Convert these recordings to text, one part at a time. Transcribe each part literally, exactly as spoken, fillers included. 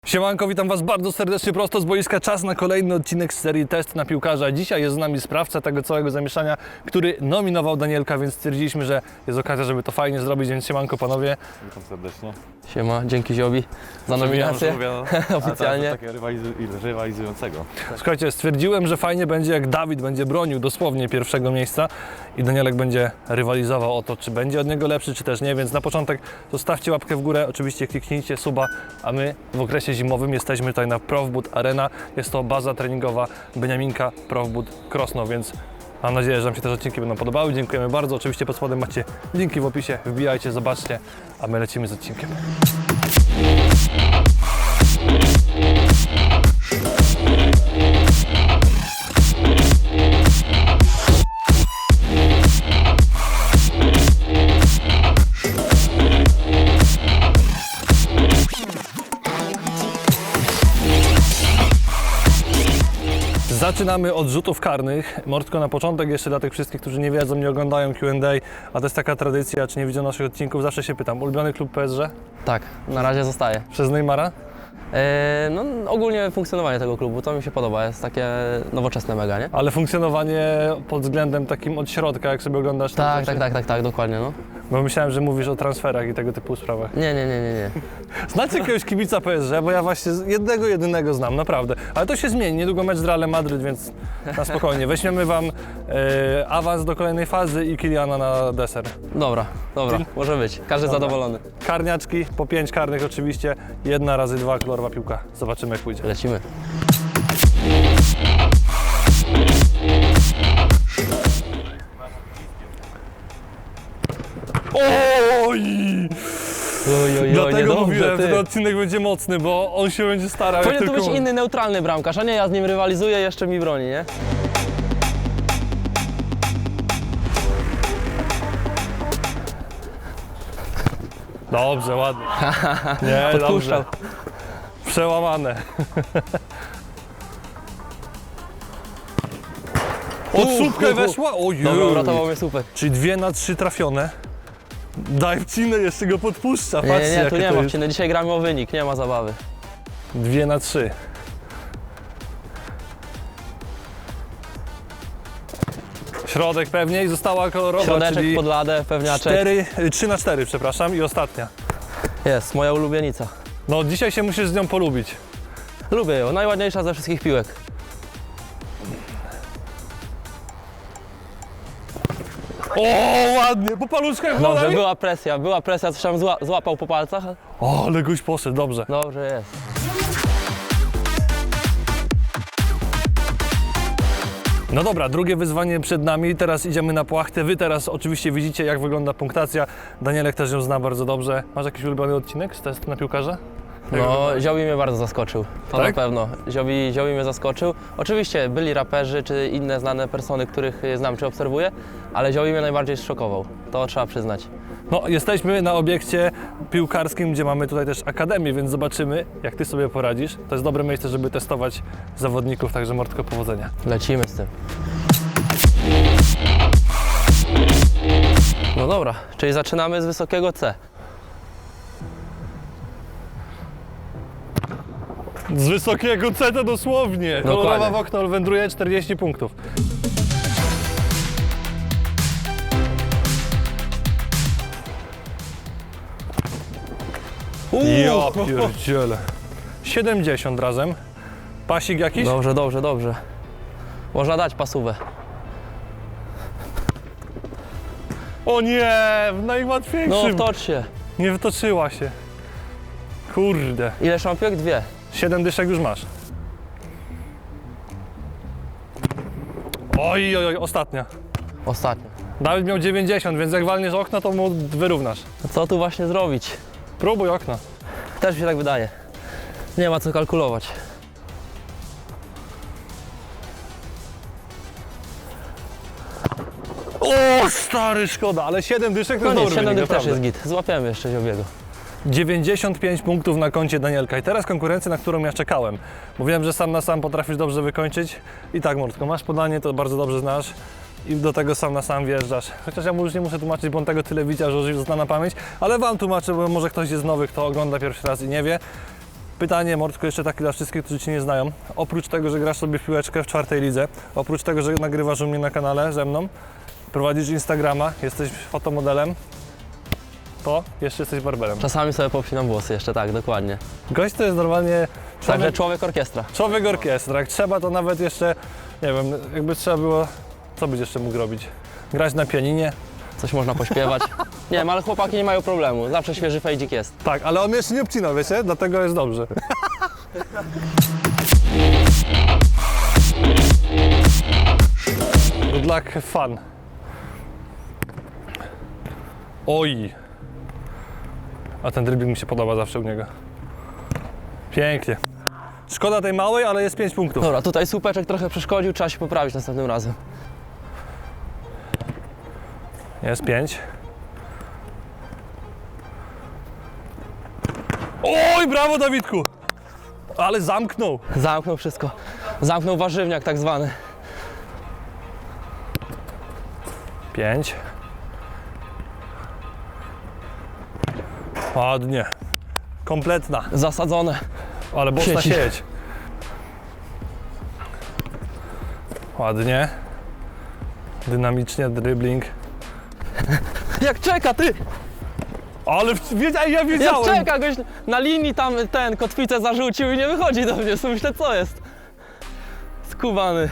Siemanko, witam Was bardzo serdecznie prosto z boiska. Czas na kolejny odcinek z serii Test na piłkarza. Dzisiaj jest z nami sprawca tego całego zamieszania, który nominował Danielka, więc stwierdziliśmy, że jest okazja, żeby to fajnie zrobić, więc siemanko panowie. Witam serdecznie. Siema, dzięki Ziobi za nominację oficjalnie. A takiego rywalizu rywalizującego. Słuchajcie, stwierdziłem, że fajnie będzie, jak Dawid będzie bronił dosłownie pierwszego miejsca i Danielek będzie rywalizował o to, czy będzie od niego lepszy, czy też nie, więc na początek zostawcie łapkę w górę, oczywiście kliknijcie suba, a my w okresie zimowym jesteśmy tutaj na Profboot Arena. Jest to baza treningowa Beniaminka Profboot Krosno, więc mam nadzieję, że Wam się te odcinki będą podobały. Dziękujemy bardzo. Oczywiście pod spodem macie linki w opisie. Wbijajcie, zobaczcie, a my lecimy z odcinkiem. Zaczynamy od rzutów karnych. Mordko, na początek jeszcze dla tych wszystkich, którzy nie wiedzą, nie oglądają Q and A, a to jest taka tradycja, czy nie widzą naszych odcinków, zawsze się pytam, ulubiony klub P S G? Tak, na razie zostaje. Przez Neymara? E, no ogólnie funkcjonowanie tego klubu, to mi się podoba, jest takie nowoczesne mega, nie? Ale funkcjonowanie pod względem takim od środka, jak sobie oglądasz te Tak, rzeczy? tak, tak, tak, tak, dokładnie, no. Bo myślałem, że mówisz o transferach i tego typu sprawach. Nie, nie, nie, nie, nie. Znacie jakiegoś kibica P S G? Bo ja właśnie jednego, jedynego znam, naprawdę. Ale to się zmieni, niedługo mecz z Realem Madryt, więc na spokojnie. Weźmiemy Wam e, awans do kolejnej fazy i Kyliana na deser. Dobra, dobra, może być, każdy Dobra. zadowolony. Karniaczki, po pięć karnych oczywiście, jedna razy dwa, kolorowa piłka. Zobaczymy, jak pójdzie. Lecimy. Oj! Oj, oj, oj, Dlatego niedobrze, mówiłem, że ty. ten odcinek będzie mocny, bo on się będzie starał. Powinien jak tu być tylko... inny, neutralny bramkarz, a nie ja z nim rywalizuję, jeszcze mi broni, nie? Dobrze, ładnie. Nie, Podpuszczał. dobrze. Przełamane. Od słupkę weszła? Ojej. Dobra, uratował mnie słupek. Czyli dwie na trzy trafione. Daj wcinę, jeszcze go podpuszcza. Nie, Patrzcie, nie, nie, tu jakie nie to ma jest. wciny, dzisiaj gramy o wynik, nie ma zabawy. Dwie na trzy. Środek pewnie i została kolorowa, Środeczek czyli pod ladę, pewniaczek. cztery, trzy na cztery, przepraszam, i ostatnia. Jest, moja ulubienica. No dzisiaj się musisz z nią polubić. Lubię ją, najładniejsza ze wszystkich piłek. O, ładnie, po paluszkach Dobrze, woda. była presja, była presja, coś tam zła, złapał po palcach. O, ale goś poszedł, dobrze. Dobrze jest. No dobra, drugie wyzwanie przed nami, teraz idziemy na płachtę. Wy teraz oczywiście widzicie, jak wygląda punktacja. Danielek też ją zna bardzo dobrze. Masz jakiś ulubiony odcinek z testu na piłkarza? Jak No, wygląda? Ziobi mnie bardzo zaskoczył, to Tak? na pewno. Ziobi, Ziobi mnie zaskoczył. Oczywiście byli raperzy czy inne znane persony, których znam czy obserwuję, ale Ziobi mnie najbardziej zszokował, to trzeba przyznać. No, jesteśmy na obiekcie piłkarskim, gdzie mamy tutaj też akademię, więc zobaczymy, jak ty sobie poradzisz. To jest dobre miejsce, żeby testować zawodników, także Mordko, powodzenia. Lecimy z tym. No dobra, czyli zaczynamy z wysokiego C. Z wysokiego C to dosłownie. Dokładnie. Kolorowa w okno wędruje czterdzieści punktów. Ja pierdziele. siedemdziesiąt razem. Pasik jakiś? Dobrze, dobrze, dobrze. Można dać pasówę. O nie, w No najłatwiejszym. wtocz się. Nie wtoczyła się. Kurde. Ile szampiek? Dwie. Siedem dyszek już masz. Oj, oj, oj, ostatnia. Ostatnio. Dawid miał dziewięćdziesiąt, więc jak walniesz okno, to mu wyrównasz. Co tu właśnie zrobić? Próbuj okno. Też mi się tak wydaje. Nie ma co kalkulować. O, stary, szkoda, ale siedem dyszek to No jest nie, dobry siedem wynik, dych też naprawdę. jest git. Złapiemy jeszcze Ziobiego. dziewięćdziesiąt pięć punktów na koncie Danielka i teraz konkurencja, na którą ja czekałem. Mówiłem, że sam na sam potrafisz dobrze wykończyć. I tak, Mordko, masz podanie, to bardzo dobrze znasz. i do tego sam na sam wjeżdżasz. Chociaż ja mu już nie muszę tłumaczyć, bo on tego tyle widział, że już zna na pamięć, ale wam tłumaczę, bo może ktoś jest nowy, kto ogląda pierwszy raz i nie wie. Pytanie, Mordko, jeszcze takie dla wszystkich, którzy Cię nie znają. Oprócz tego, że grasz sobie w piłeczkę w czwartej lidze, oprócz tego, że nagrywasz u mnie na kanale ze mną, prowadzisz Instagrama, jesteś fotomodelem, to jeszcze jesteś barberem. Czasami sobie popinam włosy jeszcze, tak, dokładnie. Gość to jest normalnie Także człowiek, człowiek orkiestra. człowiek orkiestra. Jak trzeba, to nawet jeszcze, nie wiem, jakby trzeba było, co byś jeszcze mógł robić? Grać na pianinie? Coś można pośpiewać. Nie wiem, ale chłopaki nie mają problemu. Zawsze świeży fejdzik jest. Tak, ale on jeszcze nie obcina, wiecie? Dlatego jest dobrze. Good luck, have fun. Oj. A ten dribbling mi się podoba zawsze u niego. Pięknie. Szkoda tej małej, ale jest pięć punktów. Dobra, tutaj słupeczek trochę przeszkodził, trzeba się poprawić następnym razem. Jest pięć. Oj, brawo Dawidku! Ale zamknął. Zamknął wszystko. Zamknął warzywniak tak zwany. Pięć. Ładnie. Kompletna. Zasadzone. Ale boczna Sieci. sieć. Ładnie. Dynamicznie, dribbling. Jak czeka, ty! Ale w- wiedzia, ja Jak wiedziałem. czeka, goś na linii tam ten kotwicę zarzucił i nie wychodzi do mnie. Sobie myślę, co jest? Skubany.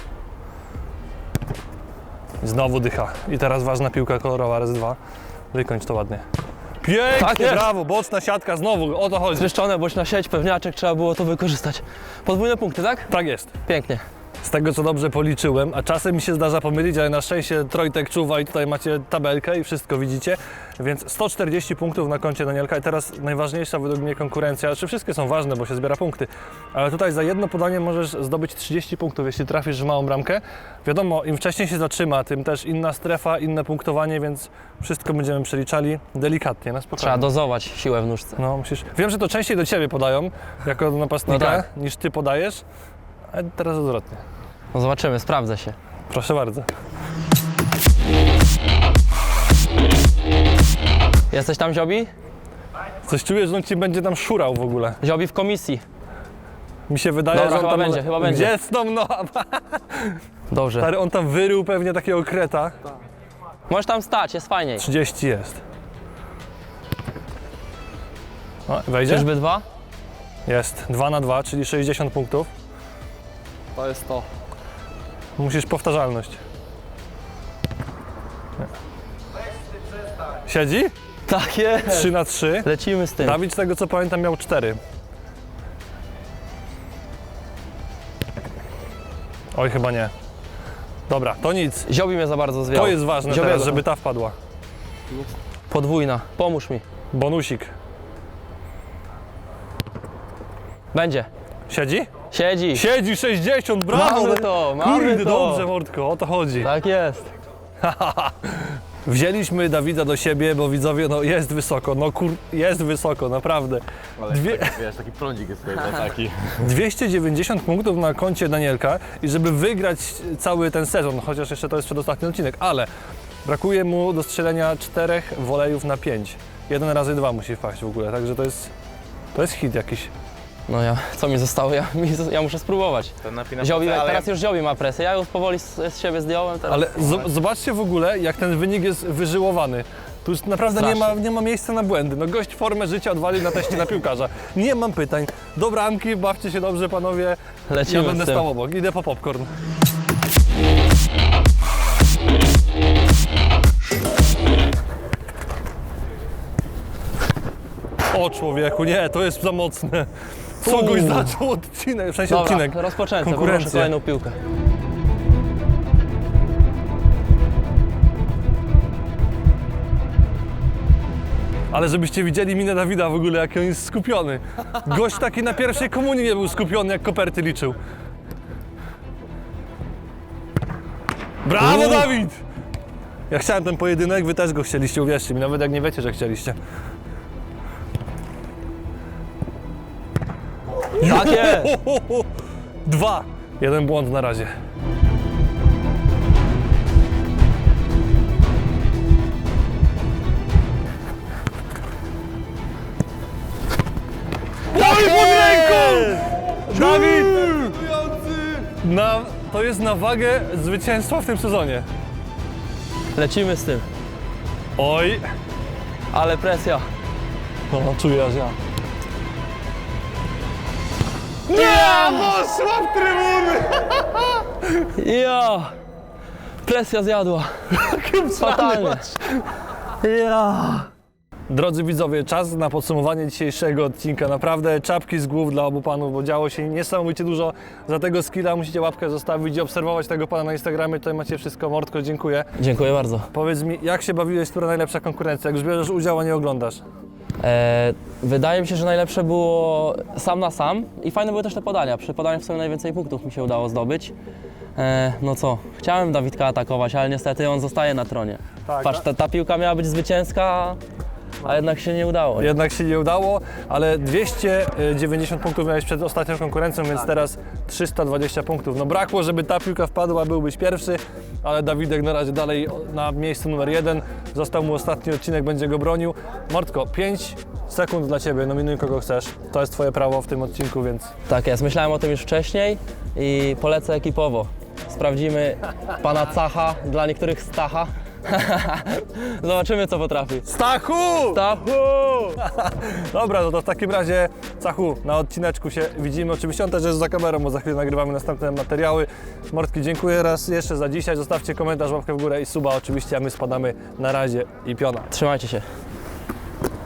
Znowu dycha. I teraz ważna piłka kolorowa, raz dwa. Wykończ to ładnie. Pięknie, Tak jest. brawo, boczna siatka, znowu, o to chodzi. Zryszczone, boś na sieć, pewniaczek, trzeba było to wykorzystać. Podwójne punkty, tak? Tak jest. Pięknie. Z tego co dobrze policzyłem, a czasem mi się zdarza pomylić, ale na szczęście Trojtek czuwa i tutaj macie tabelkę i wszystko widzicie, więc sto czterdzieści punktów na koncie Danielka i teraz najważniejsza według mnie konkurencja, znaczy wszystkie są ważne, bo się zbiera punkty, ale tutaj za jedno podanie możesz zdobyć trzydzieści punktów, jeśli trafisz w małą bramkę. Wiadomo, im wcześniej się zatrzyma, tym też inna strefa, inne punktowanie, więc wszystko będziemy przeliczali delikatnie, na spokojnie. Trzeba dozować siłę w nóżce. No, musisz. Wiem, że to częściej do Ciebie podają, jako do napastnika, No tak. niż Ty podajesz, ale teraz odwrotnie. No zobaczymy, sprawdzę się. Proszę bardzo. Jesteś tam, Ziobi? Coś czuję, że on Ci będzie tam szurał w ogóle. Ziobi w komisji. Mi się wydaje, Dobra, że on chyba tam... będzie, chyba będzie. Gdzie stąd, no? Dobrze. Stary, on tam wyrył pewnie takiego kreta. Możesz tam stać, jest fajniej. trzydzieści jest. O, wejdzie? Czyżby dwa? Jest. dwa na dwa, czyli sześćdziesiąt punktów. To jest to. Musisz powtarzalność. Nie. Siedzi? Tak jest. trzy na trzy. Lecimy z tym. Dawid, z tego co pamiętam, miał cztery. Oj, chyba nie. Dobra, to nic. Ziobi mnie za bardzo zwiał. To jest ważne Ziobiego. teraz, żeby ta wpadła. Podwójna. Pomóż mi. Bonusik. Będzie. Siedzi? Siedzi. Siedzi sześćdziesiąt, brawo! Mamy to, mamy Kurde, to. dobrze, Mordko, o to chodzi. Tak jest. Wzięliśmy Dawida do siebie, bo widzowie, no jest wysoko, no kur... jest wysoko, naprawdę. Ale Dwie... tak, wiesz, taki prądzik jest tutaj, no taki. dwieście dziewięćdziesiąt punktów na koncie Danielka i żeby wygrać cały ten sezon, chociaż jeszcze to jest przedostatni odcinek, ale brakuje mu do strzelenia czterech wolejów na pięć. Jeden razy dwa musi wpaść w ogóle, także to jest, to jest hit jakiś. No ja, co mi zostało? Ja, mi, ja muszę spróbować. Ten napina Ziobi, ale teraz już Ziobi ma presję. Ja już powoli z, z siebie zdjąłem. Teraz. Ale zo- zobaczcie w ogóle, jak ten wynik jest wyżyłowany. Tu już naprawdę nie ma, nie ma miejsca na błędy. No gość formę życia odwalił na teście na piłkarza. Nie mam pytań. Do bramki, bawcie się dobrze panowie. Lecimy Ja będę z tym. stał obok. Idę po popcorn. O człowieku, nie, to jest za mocne. Co Uuu. goś zaczął odcinek, w sensie Dobra, odcinek. rozpoczęcie, Konkurencję. poproszę kolejną piłkę. Ale żebyście widzieli minę Dawida w ogóle, jaki on jest skupiony. Gość taki na pierwszej komunii nie był skupiony, jak koperty liczył. Brawo, Uuu. Dawid! Ja chciałem ten pojedynek, wy też go chcieliście, uwierzcie mi, nawet jak nie wiecie, że chcieliście. Tak jest! Dwa. Jeden błąd na razie. Oj, pod Dawid! Na, to jest na wagę zwycięstwa w tym sezonie. Lecimy z tym. Oj! Ale presja. No, czuję aż ja. Nie! Poszła w trybuny! Ja! Presja zjadła. Fatalnie. Ja! Drodzy widzowie, czas na podsumowanie dzisiejszego odcinka. Naprawdę czapki z głów dla obu panów, bo działo się niesamowicie dużo. Za tego skilla musicie łapkę zostawić i obserwować tego pana na Instagramie. Tutaj macie wszystko. Mordko, dziękuję. Dziękuję bardzo. Powiedz mi, jak się bawiłeś, która najlepsza konkurencja? Jak już bierzesz udział, a nie oglądasz? E, wydaje mi się, że najlepsze było sam na sam i fajne były też te podania. Przy podaniach w sumie najwięcej punktów mi się udało zdobyć. E, no co, chciałem Dawidka atakować, ale niestety on zostaje na tronie. Tak, Patrz, ta, ta piłka miała być zwycięska, a jednak się nie udało. Jednak się nie udało, ale dwieście dziewięćdziesiąt punktów miałeś przed ostatnią konkurencją, więc teraz trzysta dwadzieścia punktów. No brakło, żeby ta piłka wpadła, byłbyś pierwszy, ale Dawidek na razie dalej na miejscu numer jeden. Został mu ostatni odcinek, będzie go bronił. Mordko, pięć sekund dla Ciebie, nominuj kogo chcesz. To jest Twoje prawo w tym odcinku, więc... Tak jest, myślałem o tym już wcześniej i polecę ekipowo. Sprawdzimy pana Cacha, dla niektórych Stacha. Zobaczymy, co potrafi. Stachu! Stachu! Dobra, no to w takim razie, Cachu, na odcineczku się widzimy. Oczywiście on też jest za kamerą, bo za chwilę nagrywamy następne materiały. Mordki, dziękuję raz jeszcze za dzisiaj. Zostawcie komentarz, łapkę w górę i suba oczywiście, a my spadamy na razie i piona. Trzymajcie się.